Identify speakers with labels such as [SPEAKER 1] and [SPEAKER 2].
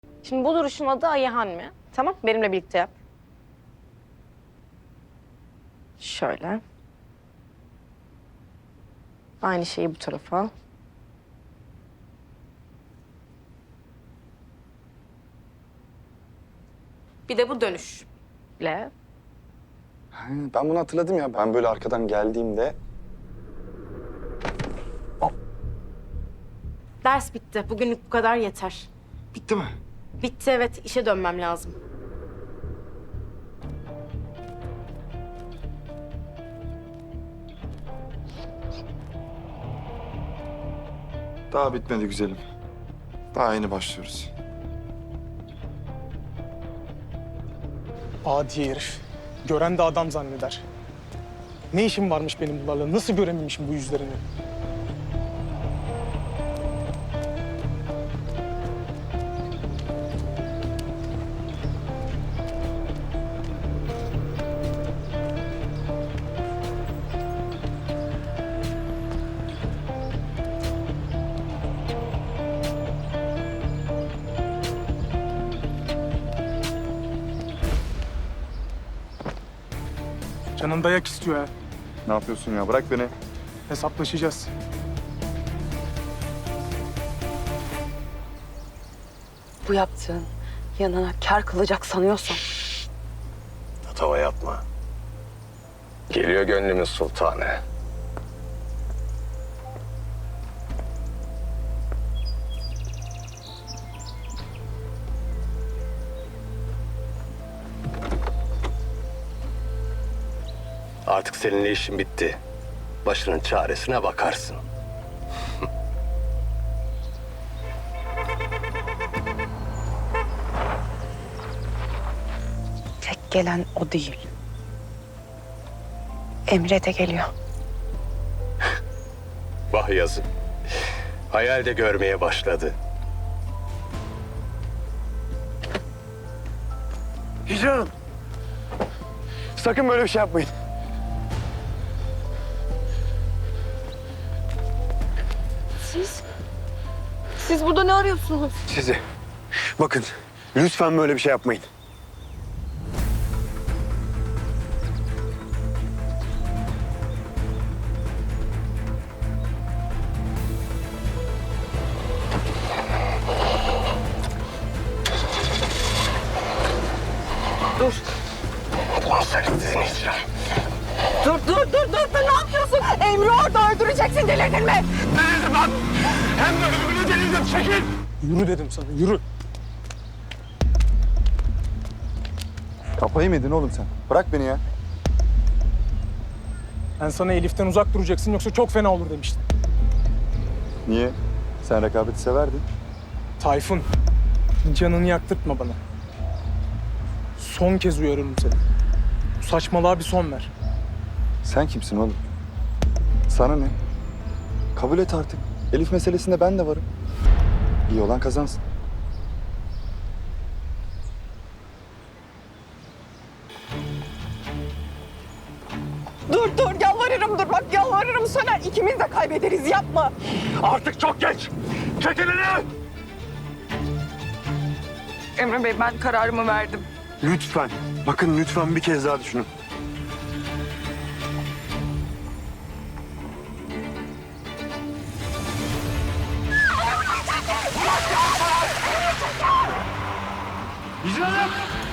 [SPEAKER 1] Şimdi bu duruşun adı Ayhan mı? Tamam, benimle birlikte yap. Şöyle. Aynı şeyi bu tarafa. Bir de bu dönüşle.
[SPEAKER 2] Ben bunu hatırladım ya. Ben böyle arkadan geldiğimde...
[SPEAKER 1] Ders bitti. Bugünlük bu kadar yeter.
[SPEAKER 2] Bitti mi?
[SPEAKER 1] Bitti, evet. İşe dönmem lazım.
[SPEAKER 2] Daha bitmedi güzelim. Daha yeni başlıyoruz.
[SPEAKER 3] Adi herif. Gören de adam zanneder. Ne işim varmış benim bunlarla? Nasıl görememişim bu yüzlerini? Canın dayak istiyor ha.
[SPEAKER 2] Ne yapıyorsun ya? Bırak beni.
[SPEAKER 3] Hesaplaşacağız.
[SPEAKER 4] Bu yaptığın yanına kâr kılacak sanıyorsan
[SPEAKER 5] Tatava yapma. Geliyor gönlümün sultanı. Artık seninle işin bitti. Başının çaresine bakarsın.
[SPEAKER 4] tek gelen o değil. Emre de geliyor.
[SPEAKER 5] Vah yazık. Hayal de görmeye başladı.
[SPEAKER 6] Hicran! Sakın böyle bir şey yapmayın.
[SPEAKER 4] Siz burada ne arıyorsunuz?
[SPEAKER 6] Sizi. Bakın, lütfen böyle bir şey yapmayın.
[SPEAKER 5] Sen hicran.
[SPEAKER 4] Dur, ne yapıyorsun? Emre orada öldüreceksin, delirdin mi?
[SPEAKER 3] Yürü dedim sana, yürü.
[SPEAKER 2] Kafayı mı yedin oğlum sen? Bırak beni ya.
[SPEAKER 3] Ben sana Elif'ten uzak duracaksın yoksa çok fena olur demiştim.
[SPEAKER 2] Niye? Sen rekabeti severdin.
[SPEAKER 3] Tayfun, canını yaktırtma bana. Son kez uyarıyorum seni. Bu saçmalığa bir son ver.
[SPEAKER 2] Sen kimsin oğlum? Sana ne? Kabul et artık. Elif meselesinde ben de varım. İyi olan kazansın.
[SPEAKER 4] Dur, yalvarırım dur. Bak yalvarırım Söner. İkimiz de kaybederiz, yapma.
[SPEAKER 6] Artık çok geç! Çek elini!
[SPEAKER 4] Emre Bey, ben kararımı verdim.
[SPEAKER 6] Lütfen, bakın lütfen bir kez daha düşünün. Hicran'ım!